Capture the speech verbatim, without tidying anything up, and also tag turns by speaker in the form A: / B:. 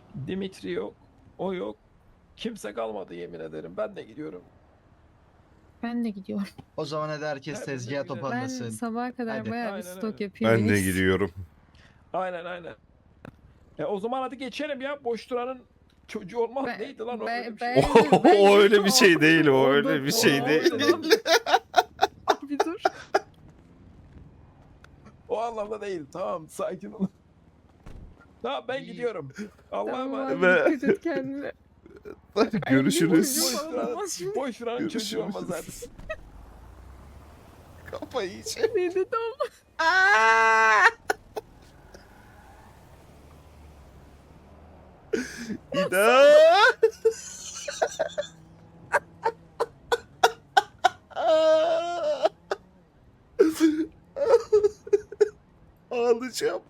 A: Dimitri yok. O yok. Kimse kalmadı yemin ederim. Ben de gidiyorum.
B: Ben de gidiyorum.
C: O zaman hadi herkes
A: Hepimiz
C: tezgaha
A: gidelim.
B: Ben
C: toparlasın.
B: sabaha kadar
C: Hadi.
B: bayağı bir
A: Aynen
B: stok
A: öyle.
B: yapayım.
D: Ben
B: en
D: de
B: iyisi.
D: gidiyorum.
A: Aynen aynen. E o zaman hadi geçelim ya. Boş duranın çocuğu olmaz.
B: Ben-
A: Neydi lan o
B: ben-
A: öyle bir şey?
B: ben-
D: O,
B: bence-
D: o öyle bir şey değil, o
B: Oldu,
D: öyle bir şey
B: oldu,
D: değil.
B: oldu. Bir dur.
A: O anlamda değil. Tamam sakin ol. Tamam ben gidiyorum. Allah'a
B: Tamam
A: emanet.
B: abi
D: Ve-
B: dikkat et kendine.
D: Görüşürüz.
A: Boş duranın, boş duranın çocuğu
D: Görüşürüz.
A: olmaz zaten.
D: Kafayı yiyeceğim.
B: Ne dedi ama?
D: İda. Ağlayacağım.